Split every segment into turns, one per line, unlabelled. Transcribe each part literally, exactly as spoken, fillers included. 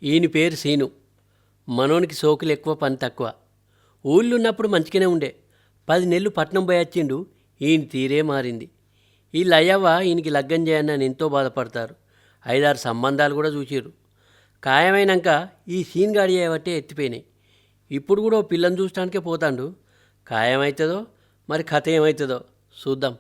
ఈయన పేరు సీను. మనోనికి సోకులు ఎక్కువ, పని తక్కువ. ఊళ్ళో ఉన్నప్పుడు మంచిగానే ఉండే. పది నెలలు పట్నం పోయి వచ్చిండు. ఈయన తీరే మారింది. వీళ్ళు అయ్యవ్వ ఈయనకి లగ్గం చేయని ఎంతో బాధపడతారు. ఐదారు సంబంధాలు కూడా చూసిర్రు. ఖాయమైనాక ఈ సీన్ గాడి అయ్యబట్టే ఎత్తిపోయినాయి. ఇప్పుడు కూడా ఓ పిల్లని చూడటానికే పోతాండు. ఖాయమవుతుందో మరి కథ ఏమవుతుందో చూద్దాం.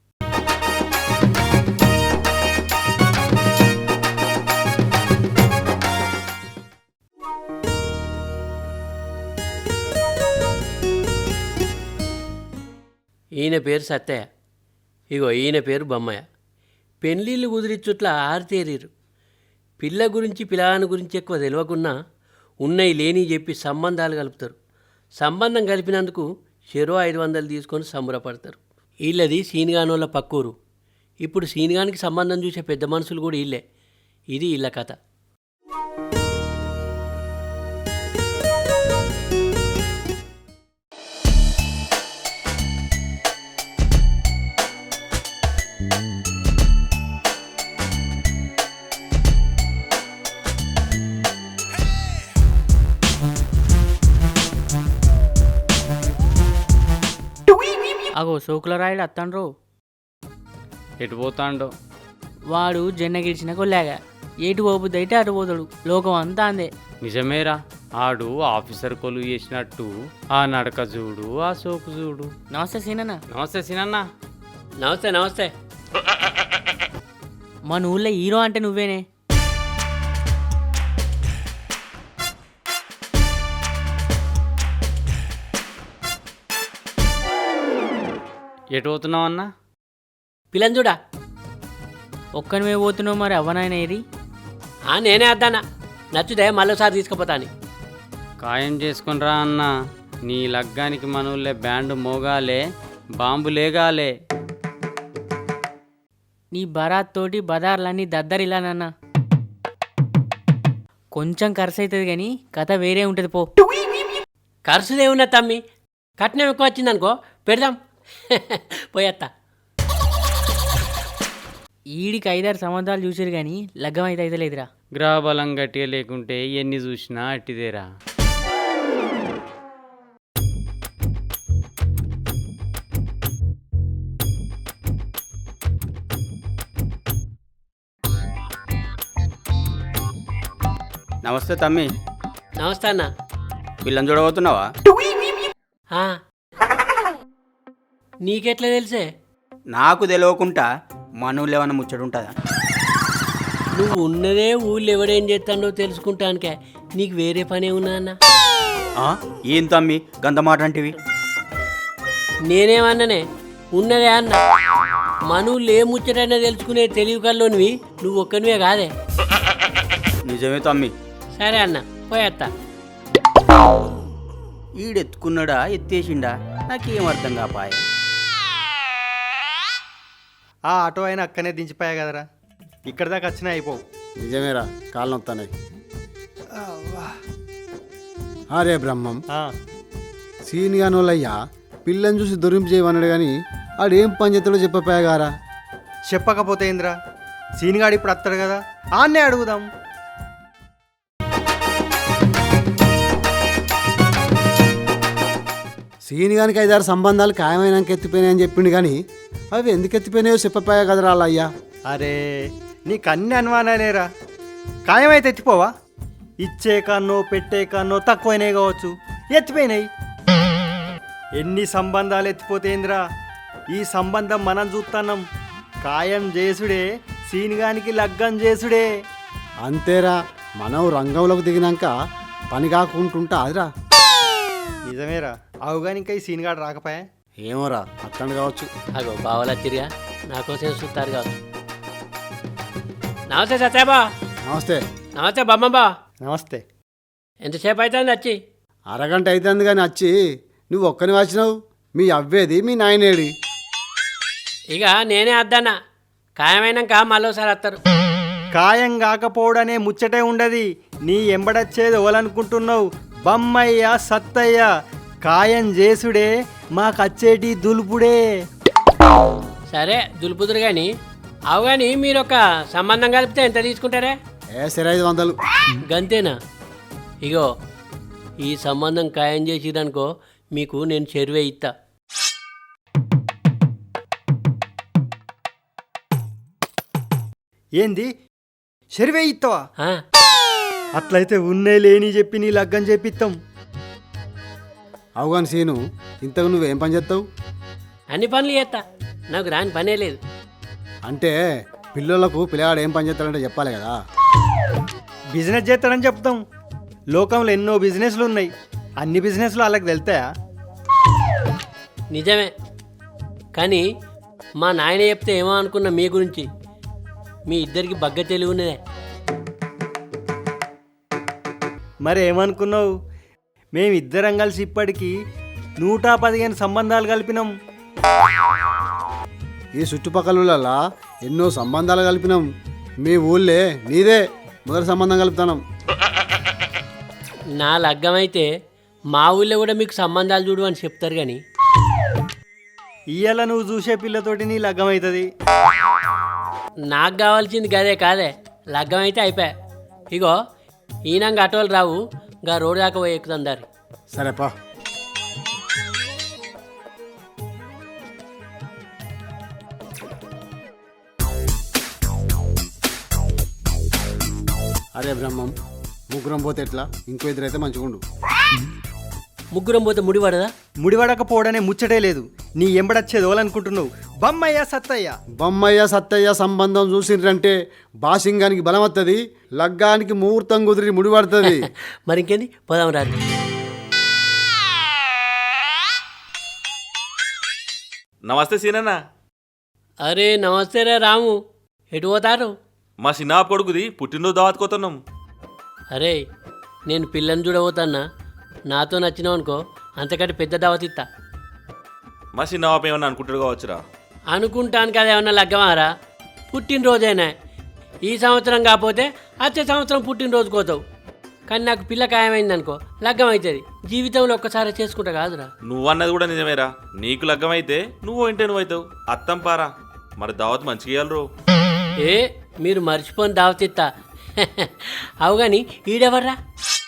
ఈయన పేరు సత్తయ్య. ఇగో ఈయన పేరు బొమ్మయ్య. పెళ్ళిళ్ళు కుదిరిచ్చుట్లా ఆరితేరీరు. పిల్ల గురించి పిల్లాని గురించి ఎక్కువ తెలియకున్నా ఉన్నాయి లేని చెప్పి సంబంధాలు కలుపుతారు. సంబంధం కలిపినందుకు చెరో ఐదు వందలు తీసుకొని సంబరపడతారు. వీళ్ళది సీనిగానోళ్ళ పక్కూరు. ఇప్పుడు సీనిగానికి సంబంధం చూసే పెద్ద మనుషులు కూడా వీళ్ళే. ఇది వీళ్ళ కథ.
అగో సోకుల రాయుడు అత్తండ్రు.
ఎటు పోతాండో
వాడు జెన్న గిడిచిన కొల్లాగా ఏటు పోబుద్ది అయితే అటు పోతాడు. లోకం అంతా అందే.
నిజమేరా, ఆడు ఆఫీసర్ కొలువు చేసినట్టు ఆ నడక చూడు, ఆ సోకు చూడు.
నమస్తే సీనన్న.
నమస్తే సినన్న.
నమస్తే నమస్తే.
మన ఊళ్ళో హీరో అంటే నువ్వేనే.
ఎటు పోతున్నావు అన్నా?
పిల్లని చూడా.
ఒక్కనివే పోతున్నావు, మరి అవ్వనాయన ఏది?
నేనే అద్దానా, నచ్చుదే మళ్ళీసారి తీసుకుపోతాను.
ఖాయం చేసుకునిరా అన్న. నీ లగ్గానికి మనవులే బ్యాండ్ మోగాలే, బాంబు లేగాలే.
నీ బరాత్ తోటి బదార్లన్నీ దద్దరిలానన్నా. కొంచెం ఖర్చు అవుతుంది కానీ కథ వేరే ఉంటుంది పో.
ఖర్చుదేమున్నా తమ్మి, కట్నం ఎక్కువ వచ్చిందనుకో పెడదాం. పోయేత్తా.
ఈడికి ఐదారు సంవత్సరాలు చూసారు కానీ లగ్గం అయితే అయితే లేదురా.
గ్రహబలం గట్టిగా లేకుంటే ఎన్ని చూసినా అట్టిదేరా.
నమస్తే తమ్మి.
నమస్తే అన్న.
పిల్లని చూడబోతున్నావా?
నీకెట్లా తెలిసే?
నాకు తెలియకుండా మనూళ్ళు ఏమన్నా ముచ్చడుంటుందా?
నువ్వు ఉన్నదే ఊళ్ళో ఎవడేం చేస్తాడో తెలుసుకుంటానికే. నీకు వేరే పనే ఉన్నా అన్న?
ఏం తమ్మి గంత మాట అంటివి?
నేనేమన్నానే, ఉన్నదే అన్న. మనూళ్ళు ఏ ముచ్చటైనా తెలుసుకునే తెలివి కల్లోనివి నువ్వు ఒక్కనివే కాదే.
నిజమే తమ్మి.
సరే అన్న, పోయేత్తా.
ఈడెత్తుకున్నాడా ఎత్తేసిండా నాకేం అర్థం కాపాయ.
ఆ ఆటో అయినా అక్కనే దించిపోయా కదరా, ఇక్కడ దాకా వచ్చినా అయిపోవు.
నిజమేరా, కాళ్ళు నొత్తాయి. అరే బ్రహ్మం, సీనిగానోళ్ళయ్యా పిల్లని చూసి దొరింపు చేయమన్నాడు కానీ ఆడేం పని చేస్తాడో చెప్పపోయాగారా.
చెప్పకపోతే ఏంద్రా, సీనిగాడు ఇప్పుడు వస్తాడు కదా, ఆన్నే అడుగుదాం.
సీనిగానికి ఐదారు సంబంధాలు ఖాయమైనాక ఎత్తిపోయినాయని చెప్పిండు కానీ అవి ఎందుకు ఎత్తిపోయినాయో చెప్పపోయా కదరా అలా అయ్యా.
అరే నీకు అన్ని అనుమానాలేరా, ఖాయమైతే ఎత్తిపోవా? ఇచ్చే కన్నో పెట్టే కన్నో తక్కువైనాయి కావచ్చు, ఎత్తిపోయినాయి. ఎన్ని సంబంధాలు ఎత్తిపోతేంద్రా, ఈ సంబంధం మనం చూస్తున్నాం. ఖాయం చేసుడే, సీనిగానికి లగ్గం చేసుడే.
అంతేరా, మనం రంగంలోకి దిగినాక పని కాకుంటుంటా అదిరా.
నిజమేరా, అవుగాని ఇంకా ఈ సీనిగాడు రాకపోయా.
ఏమోరా, అత్తండు కావచ్చు.
అగో బావలచ్చిరిగా, నాకోసం చూస్తారు కావచ్చు. నమస్తే సత్యాబా.
నమస్తే.
నమస్తే బమ్మబ్బా.
నమస్తే.
ఎంతసేపు అవుతుంది వచ్చి?
అరగంట అవుతుంది కానీ వచ్చి నువ్వు ఒక్కని వచ్చినావు. మీ అవ్వేది మీ నాయనేడి.
ఇక నేనే అద్దన్నా, ఖాయమైనాక మళ్ళీసారి వస్తారు.
ఖాయం కాకపోవడనే ముచ్చటే ఉండదు. నీ ఎంబడచ్చేది ఎవలనుకుంటున్నావు? బమ్మయ్య సత్తయ్య. ఖాయం చేసుడే మాకచ్చేటి దులుపుడే.
సరే దులుపుదురు కానీ, అవు కానీ మీరు ఒక సంబంధం కలిపితే ఎంత తీసుకుంటారే?
ఏ సరే ఐదు వందలు
గంతేనా? ఇగో ఈ సంబంధం ఖాయం చేసిరనుకో మీకు నేను చెరువే ఇస్తా.
ఏంది సరివే ఇస్తావా?
ఆ,
అట్లయితే ఉన్నే లేని చెప్పి నీ లగ్గం చేపిస్తాం.
అవుగాని సీను, ఇంతకు నువ్వేం పని చేస్తావు?
అన్ని పనులు చేస్తా, నాకు రాని పనే లేదు.
అంటే పిల్లలకు పిల్లగాడు ఏం పని చేస్తాడంటే చెప్పాలి కదా.
బిజినెస్ చేస్తాడని చెప్తాం. లోకంలో ఎన్నో బిజినెస్లు ఉన్నాయి, అన్ని బిజినెస్లు వాళ్ళకి వెళ్తాయా?
నిజమే, కానీ మా నాయన చెప్తే ఏమో అనుకున్నా మీ గురించి. మీ ఇద్దరికి బగ్గ తెలివి ఉన్నదే.
మరి ఏమనుకున్నావు? మేమిద్దరం కలిసి ఇప్పటికీ నూట పదిహేను సంబంధాలు కలిపినాం.
ఈ చుట్టుపక్కల ఎన్నో సంబంధాలు కలిపినాం. మీ ఊళ్ళే నీదే మొదటి సంబంధం కలుపుతాం.
నా లగ్గం అయితే మా ఊళ్ళో కూడా మీకు సంబంధాలు చూడు అని చెప్తారు. కానీ
ఇయ్యాల నువ్వు చూసే పిల్లతోటి నీ లగ్గం అవుతుంది.
నాకు కావాల్సింది గదే కాదే, లగ్గం అయితే అయిపోయా. ఇగో ఈనంగా ఆటోలు రావు, గా రోడ్డు దాకా పోయి ఎక్కుతాం దారి.
సరేపా. అరే బ్రహ్మం, ముగ్గురం పోతే ఎట్లా? ఇంకో ఇద్దరైతే మంచిగుండు.
ముగ్గురం పోతే ముడి పడదా?
ముడివడకపోవడనే ముచ్చటే లేదు. నీ ఎంబడచ్చేది ఓలనుకుంటున్నావు? బమ్మయ్య సత్తయ్య.
బొమ్మయ్య సత్తయ్య సంబంధం చూసిండ్రంటే బాసింగానికి బలం వస్తుంది, లగ్గానికి ముహూర్తం కుదిరి ముడిపడుతుంది.
మరి ఇంకేంది, పోదాం రాదు.
నమస్తే సీనన్న.
అరే నమస్తే రే రాము, ఎటు పోతారు?
మా చిన్న కొడుకుది పుట్టినరోజు దావత్కోతున్నాం.
అరే నేను పిల్లని చూడబోతాన్నా, నాతో నచ్చినావు అనుకో అంతకంటే పెద్ద దావత్ ఇస్తా.
మా చిన్న పాప ఏమన్నా అనుకుంటాడు కావచ్చురా.
అనుకుంటాను కదా, ఏమన్నా లగ్గమారా? పుట్టినరోజైనా ఈ సంవత్సరం కాకపోతే వచ్చే సంవత్సరం పుట్టినరోజు కోతావు. కానీ నాకు పిల్ల ఖాయమైంది అనుకో లగ్గం అవుతుంది. జీవితంలో ఒక్కసారి చేసుకుంటా కాదురా.
నువ్వన్నది కూడా నిజమేరా. నీకు లగ్గమైతే నువ్వు ఇంటే నువ్వు అవుతావు. అత్తం పారా, మరి దావత్ మంచిగా ఇయ్యాలి రో.
ఏ మీరు మర్చిపోని దావత్ ఇస్తా. అవు కానీ ఈడెవర్రా?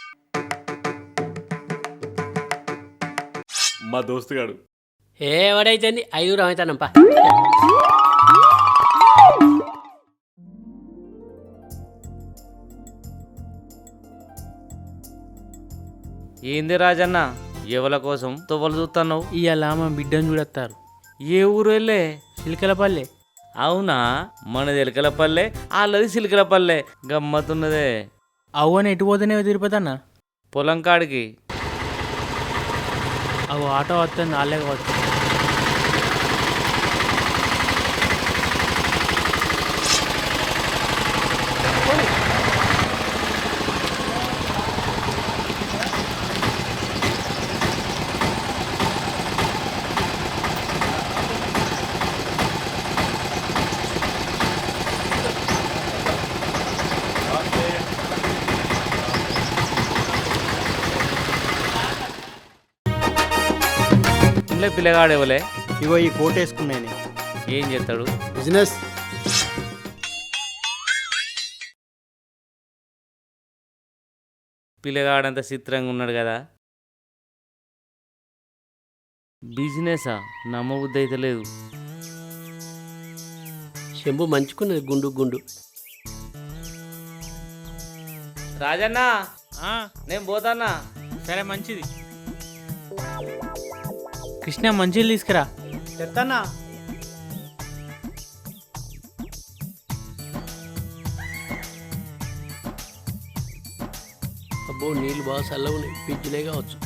మా దోస్తుగాడు.
ఏ ఎవడైతే ఐదుగురం అవుతానంపా.
ఏంది రాజన్న, ఎవల కోసం తొవ్వలు చూస్తున్నావు?
ఇవాళ మా బిడ్డను చూడొత్తారు.
ఏ ఊరు వెళ్ళే?
చిలకలపల్లె.
అవునా, మనది ఎలకలపల్లె, వాళ్ళది సిలికలపల్లె. గమ్మతున్నదే.
అవ్వని ఎటు పోతేనే తిరుపతి అన్న.
పొలం కాడికి.
అవు ఆటో వస్తుంది, వాళ్ళే కావచ్చు.
ఇంట్లో పిల్లగాడు ఎవలే?
ఇగో ఈ కోట్ వేసుకున్నాను.
ఏం చేస్తాడు?
బిజినెస్.
పిల్లగాడంత చిత్రంగా ఉన్నాడు కదా. బిజినెసా? నమ్మబుద్ధి అయితే లేదు.
చెంబు మంచుకున్నది గుండు గుండు.
రాజన్న నేను పోతానా.
సరే మంచిది. కృష్ణ మంచిలు తీసుకురా.
చెప్తానా?
అబ్బో నీళ్ళు బాగా చల్లగా ఉన్నాయి, పిజ్జులే కావచ్చు.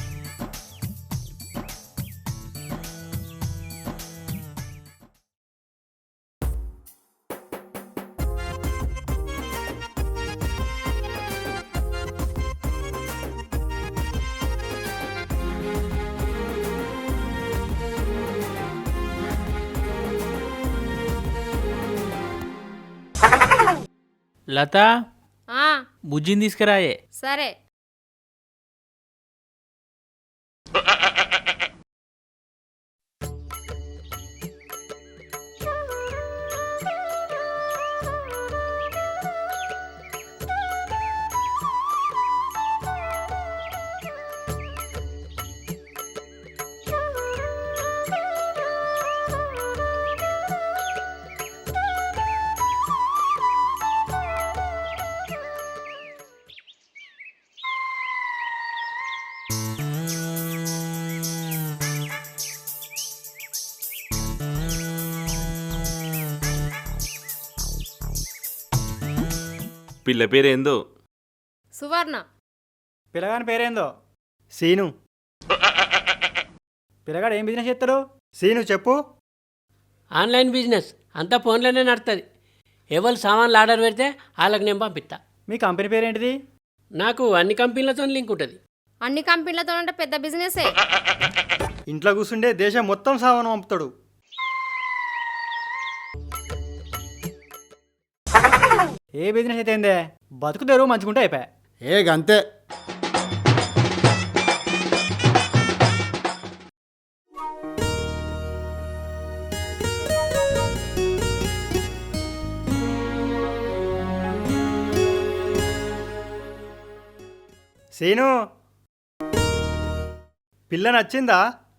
లత,
ఆ,
బుజ్జిని తీసుకురాయే.
సరే.
పిల్ల పేరేందో?
సువర్ణ.
పిల్లగాని పేరేందో? సీను. పిల్లగాడు ఏం బిజినెస్ చేస్తాడు? సీను చెప్పు.
ఆన్లైన్ బిజినెస్ అంతా ఫోన్లోనే నడుతుంది. ఎవరు సామాన్లు ఆర్డర్ పెడితే వాళ్ళకి నేను పంపిస్తా.
మీ కంపెనీ పేరేంటిది?
నాకు అన్ని కంపెనీలతో లింక్ ఉంటుంది.
అన్ని కంపెనీలతో అంటే పెద్ద బిజినెసే.
ఇంట్లో కూర్చుండే దేశం మొత్తం సామాను పంపుతాడు. ఏ బిజినెస్ అయితే ఏందే, బతుకు తెరువు మంచుకుంటే అయిపోయా.
ఏ గంతే.
సీను, పిల్ల నచ్చిందా?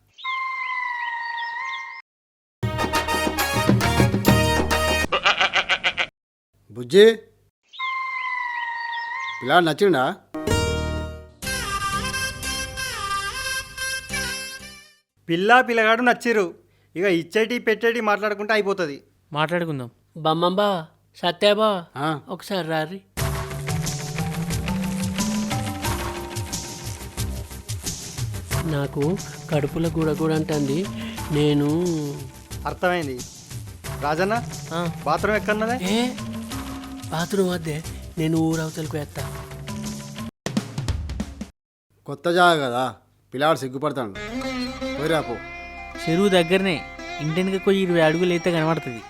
బుజ్జి, పిల్లాడు నచ్చిండా?
పిల్ల పిల్లగాడు నచ్చిరు. ఇక ఇచ్చేటి పెట్టేటి మాట్లాడుకుంటే అయిపోతుంది.
మాట్లాడుకుందాం.
బమ్మబ్బా సత్యాబా
ఆ,
ఒకసారి రారి. నాకు కడుపులో గుడగూడ అంటుంది. నేను
అర్థమైంది. రాజన్న,
ఆ,
బాత్రూమ్ ఎక్కడున్నదే?
ఏ బాత్రూమ్ వద్దే, నేను ఊరవతలకు వేస్తా.
కొత్త జాగా కదా, పిల్లాడు సిగ్గుపడతాడు. పోయిరాపో.
చెరువు దగ్గరనే, ఇంటికి పోయి ఇరవై అడుగులు అయితే కనబడుతుంది.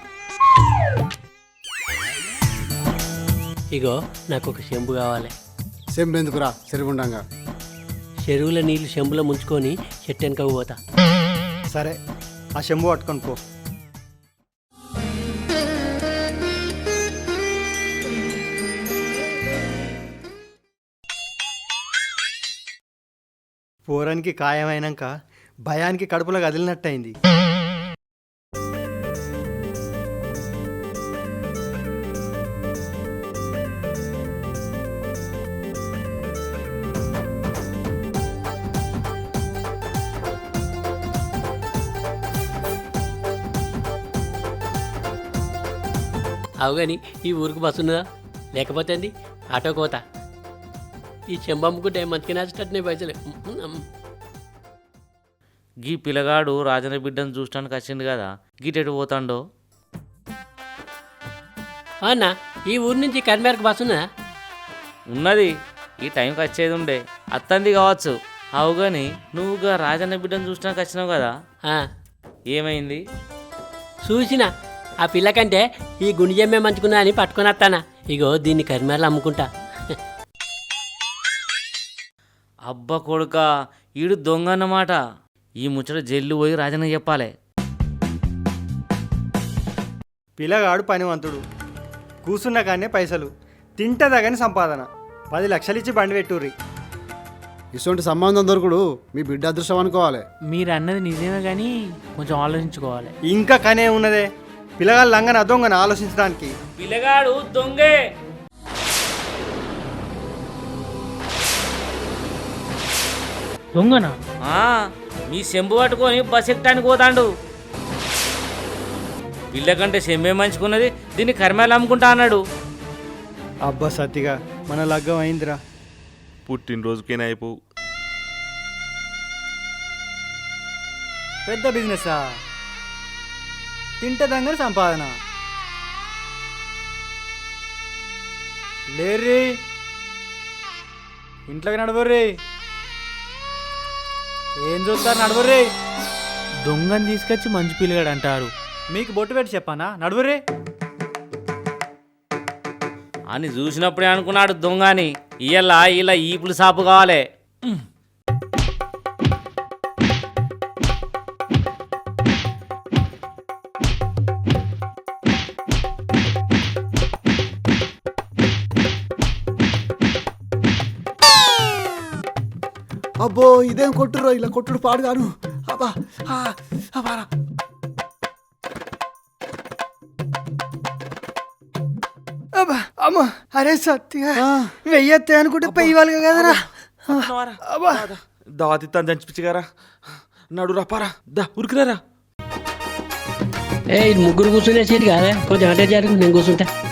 ఇగో నాకు ఒక చెంబు కావాలి.
సెంబెందుకురా చెరువుండంగా.
చెరువుల నీళ్లు చెంబులో ముంచుకొని చెట్టు వెనక పోతా.
సరే, ఆ చెంబు పట్టుకొని పో. పోరానికి ఖాయమైనాక భయానికి కడుపులో కదిలినట్టయింది.
అవు కానీ ఈ ఊరికి బస్సు ఉన్నదా? లేకపోతే అండి ఆటోకి పోతా. ఈ చెంబమ్ముకుంటే మంచిగా నచ్చేటట్టునే పైసలు.
గీ పిల్లగాడు రాజన్న బిడ్డను చూడటానికి వచ్చింది కదా, గీటెటు పోతాండో?
అన్నా ఈ ఊరి నుంచి కరిమేరకు బస్సు ఉన్నదా?
ఉన్నది, ఈ టైంకి వచ్చేది ఉండే. అత్తంది కావచ్చు. అవు కానీ నువ్వుగా రాజన్న బిడ్డను చూడటానికి వచ్చినావు కదా,
ఆ,
ఏమైంది?
చూసిన ఆ పిల్లకంటే ఈ గుండె జమ్మే మంచుకున్నా అని పట్టుకొని వస్తానా. ఇగో దీన్ని కరిమేరలు అమ్ముకుంటా.
అబ్బ కొడుక, ఈడు దొంగ అన్నమాట. ఈ ముచ్చట జైలు పోయి రాజన్న చెప్పాలి.
పిల్లగాడు పనివంతుడు, కూసున్న కానీ పైసలు, తింటదగని సంపాదన. పది లక్షలు ఇచ్చి బండి పెట్టుర్రి.
ఇటువంటి సంబంధం దొరుకుడు మీ బిడ్డ అదృష్టం అనుకోవాలి.
మీరు అన్నది నిజమే కానీ కొంచెం ఆలోచించుకోవాలి.
ఇంకా కనే ఉన్నదే, పిల్లగాడు లంగన దొంగన ఆలోచించడానికి.
పిల్లగాడు దొంగే.
దొంగనా?
ఆ, మీ చెంబు పట్టుకొని బస్ ఎక్కడానికి పోతాండు. పిల్ల కంటే చెంబే మంచుకున్నది, దీన్ని కరిమేలు అమ్ముకుంటా అన్నాడు.
అబ్బా సత్తిగా, మన లగ్గం అయిందిరా.
పుట్టినరోజుకేనా అయిపోవు.
పెద్ద బిజినెసా? తింటదంగని సంపాదన. లేర్రీ, ఇంట్లోకి నడవర్రీ. ఏం చూస్తారు, నడవర్రీ.
దొంగని తీసుకొచ్చి మంచి పిల్లగాడు అంటారు.
మీకు బొట్టు పెట్టి చెప్పానా? నడువర్రీ.
అని చూసినప్పుడే అనుకున్నాడు దొంగ అని. ఇయ్యలా ఇలా ఈపులు సాపు కావాలి.
అబ్బో ఇదేం కొట్టుర్రో, ఇలా కొట్టుడు పాడుగాను. అబ్బా ఆ, అబ్బారా.
అబ్బా అమ్మ, అరే సత్తిగా వెయ్యొత్తే అనుకుంటే పెయ్యాలి కదరా. అబ్బా
దావతిత్తాను చంచిపిచ్చిగారా. నడు రపారా, దా ఉరికిరారా.
ఏ ఇది ముగ్గురు కూర్చునే సీట్ కాదా? కొంచెం అంటే జరుగు, నేను కూర్చుంటా.